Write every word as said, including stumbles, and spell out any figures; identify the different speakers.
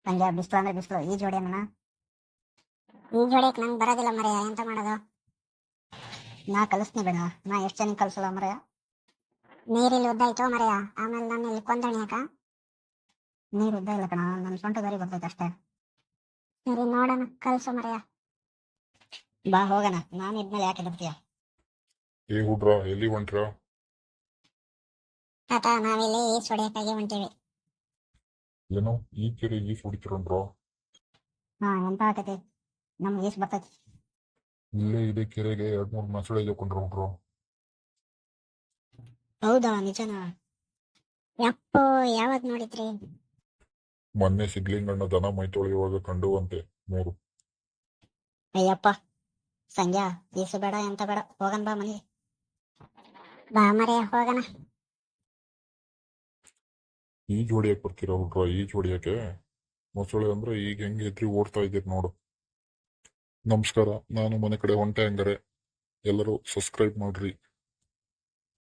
Speaker 1: ಹಂಗೆ ಬಿಸಿಲು ಅಂದ್ರೆ ಬಿಸಿಲು ಈ ಜೋಡಿ ಅನ್ನ
Speaker 2: ಈ ಜೋಡಿಯಕ್ಕೆ ನಂಗೆ ಬರೋದಿಲ್ಲ ಮರೆಯ, ಎಂತ ಮಾಡೋದು?
Speaker 1: ನಾ ಕಲಿಸ್ನಿ ಬೇಡ, ನಾ ಎಷ್ಟು ಜನ ಕಲ್ಸಲ್ಲ ಮರೆಯ.
Speaker 2: ನೀರಿಲ್ಲಿ ಉದ್ದಾಯ್ತೋ ಮರೆಯ, ಆಮೇಲೆ ನಾನು ಇಲ್ಲಿ ಕೊಂದಣಿಯಾಕ.
Speaker 1: ನೀರು ಉದ್ದ ಇಲ್ಲ ಕಣ, ನನ್ನ ಸೊಂಟ ದಾರಿ ಬರ್ತೈತೆ ಅಷ್ಟೇ.
Speaker 2: ಸರಿ ನೋಡೋಣ, ಕಲ್ಸು ಮರೆಯ.
Speaker 1: ಬಾ ಹೋಗೋಣ, ನಾನು ಇದ್ಮೇಲೆ ಯಾಕೆ ಬರ್ತೀಯ?
Speaker 3: ಏ ಹುಡ್ರ, ಎಲ್ಲಿ ಹೊಂಟ್ರ?
Speaker 2: ತಾತ, ನಾವಿಲ್ಲಿ ಈಸ್ ಹೊಡಿಯಕ್ಕಾಗಿ ಹೊಂಟೀವಿ.
Speaker 3: ಏನೋ ಈ ಕೆರೆ ಈಸ್ ಹೊಡಿತಿರನ್ರ?
Speaker 1: ಹಾ, ಎಂತ ಆಕೈತಿ, ನಮ್ಗೆ ಈಸ್ ಬರ್ತೈತಿ.
Speaker 3: ಇಲ್ಲೇ ಇದೆ ಕೆರೆಗೆ ಎರಡ್ ಮೂರ್ ಮೊಸಳೆ ಇದ್ಕೊಂಡ್ರ ಹುಡ್ರ.
Speaker 1: ಹೌದಾ, ನಿಜನಾ?
Speaker 2: ಯಪ್ಪೋ, ಯಾವಾಗ ನೋಡಿದ್ರಿ?
Speaker 3: ಮೊನ್ನೆ ಸಿದ್ಲಿಂಗಣ್ಣ ದನ ಮೈ ತೊಳೆಯುವಾಗ ಕಂಡುವಂತೆ ಮೂರು.
Speaker 1: ಅಯ್ಯಪ್ಪ ಸಂಗ್ಯಾ, ಈಸು ಬೇಡ ಎಂತ ಬೇಡ, ಹೋಗನ್ ಬಾ ಮನೆಗೆ.
Speaker 2: ಬಾ ಮರೆಯ, ಹೋಗೋಣ.
Speaker 3: ಈ ಜೋಡಿಯಕ್ಕೆ ಬರ್ತೀರಾ ಹುಡ್ರ? ಈ ಜೋಡಿಯಕ್ಕೆ ಮೊಸಳೆ ಅಂದ್ರೆ ಈಗ ಹೆಂಗೆ ಎದ್ರಿ ಓಡ್ತಾ ಇದ್ದೀರಿ ನೋಡು. ನಮಸ್ಕಾರ, ನಾನು ಮನೆ ಕಡೆ ಹೊಂಟೆ ಹಂಗಾರೆ ಎಲ್ಲರೂ ಸಬ್ಸ್ಕ್ರೈಬ್ ಮಾಡ್ರಿ.